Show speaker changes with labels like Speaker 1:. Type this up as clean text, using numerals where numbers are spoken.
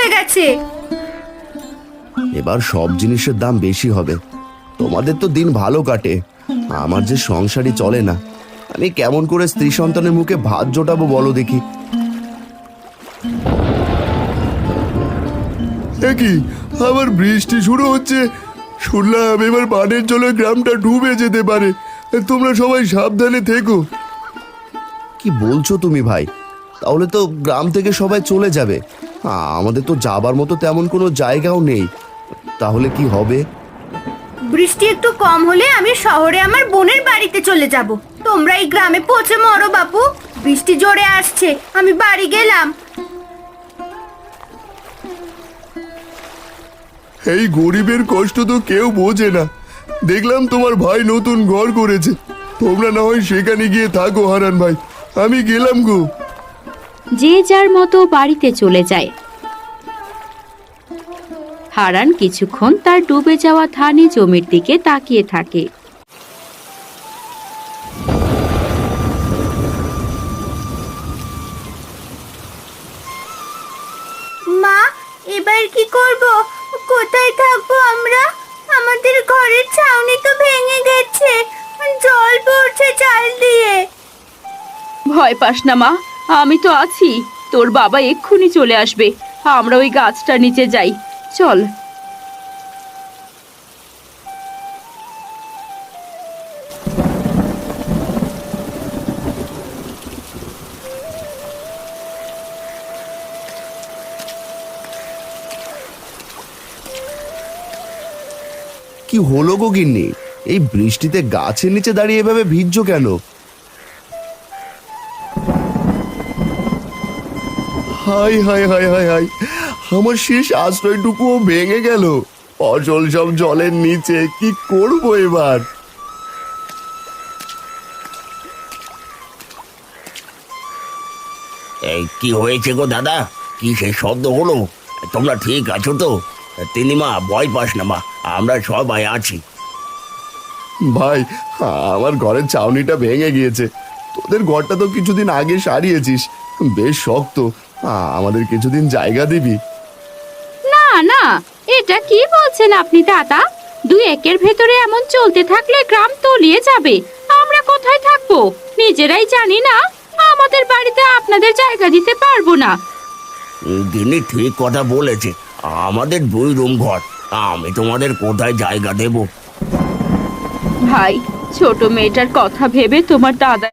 Speaker 1: হয়ে গেছে।
Speaker 2: এবার সব জিনিসের দাম বেশি হবে। তোমাদের তো দিন ভালো কাটে, আমার যে সংসারই চলে না। আমি কেমন করে স্ত্রী সন্তানের মুখে ভাত জোটাবো বলো দেখি।
Speaker 3: কি আবার বৃষ্টি শুরু হচ্ছে, শুনলাম এবার বানের জলে গ্রামটা ডুবে যেতে পারে। তোমরা সবাই সাবধানে থেকো।
Speaker 2: কি বলছো তুমি ভাই? তাহলে তো গ্রাম থেকে সবাই চলে যাবে। আমাদের তো যাবার মতো তেমন কোনো জায়গাও নেই। তাহলে কি হবে?
Speaker 1: বৃষ্টি একটু কম হলে আমি শহরে আমার বোনের বাড়িতে চলে যাব। তোমরা এই গ্রামে পৌঁছে মরো বাপু। বৃষ্টি জোরে আসছে, আমি বাড়ি গেলাম।
Speaker 3: এই গরিবের কষ্ট তো কেউ বোঝে না। দেখলাম তোমার ভাই নতুন ঘর করেছে, তোমরা না হয় সেখানে গিয়ে থাকো হারান ভাই। আমি গেলাম গো।
Speaker 4: যে যার মতো বাড়িতে চলে যায়। হারান কিছুক্ষণ তার ডুবে যাওয়া ধানি জমির দিকে তাকিয়ে থাকে।
Speaker 1: মা, এবার কি করব? কোথায় থাকবো আমরা? আমাদের ঘরের ছাউনি তো ভেঙে গেছে, জল পড়ছে চাল দিয়ে।
Speaker 4: ভয় পাস না মা, আমি তো আছি। তোর বাবা এক্ষুনি চলে আসবে। আমরা ওই গাছটার নিচে যাই, চল।
Speaker 2: কি হলো গো গিন্নি? এই বৃষ্টিতে গাছের নিচে দাঁড়িয়ে এভাবে ভিজছো কেন?
Speaker 3: হাই হাই হাই হাই হাই, আমার শেষ আশ্রয়টুকুও ভেঙে গেল। ফসল সব জলের নিচে, কি করব এবার?
Speaker 5: এই কি হয়েছে গো দাদা? কি সে শব্দ হলো? তোমরা ঠিক আছো তো? তিনিমা, ভয় পাস না মা, আমরা সবাই আছি।
Speaker 3: ভাই, আমার ঘরের ছাউনিটা ভেঙে গিয়েছে। তোদের ঘরটা তো কিছুদিন আগে সারিয়েছিস, বেশ শক্ত। আমাদের কিছুদিন জায়গা দিবি?
Speaker 4: না না, এটা কি বলছেন আপনি দাদা? 2 একের ভেতরে এমন চলতে থাকলে গ্রাম তলিয়ে যাবে। আমরা কোথায় থাকবো নিজেরাই জানি না। আমাদের বাড়িতে আপনাদের জায়গা দিতে পারবো না।
Speaker 5: তিনি ঠিক কথা বলেছে, আমাদের 2 রুম ঘর, আমি তোমাদের কোথায় জায়গা দেব?
Speaker 4: ভাই, ছোট মেয়েটার কথা ভেবে তোমার দাদা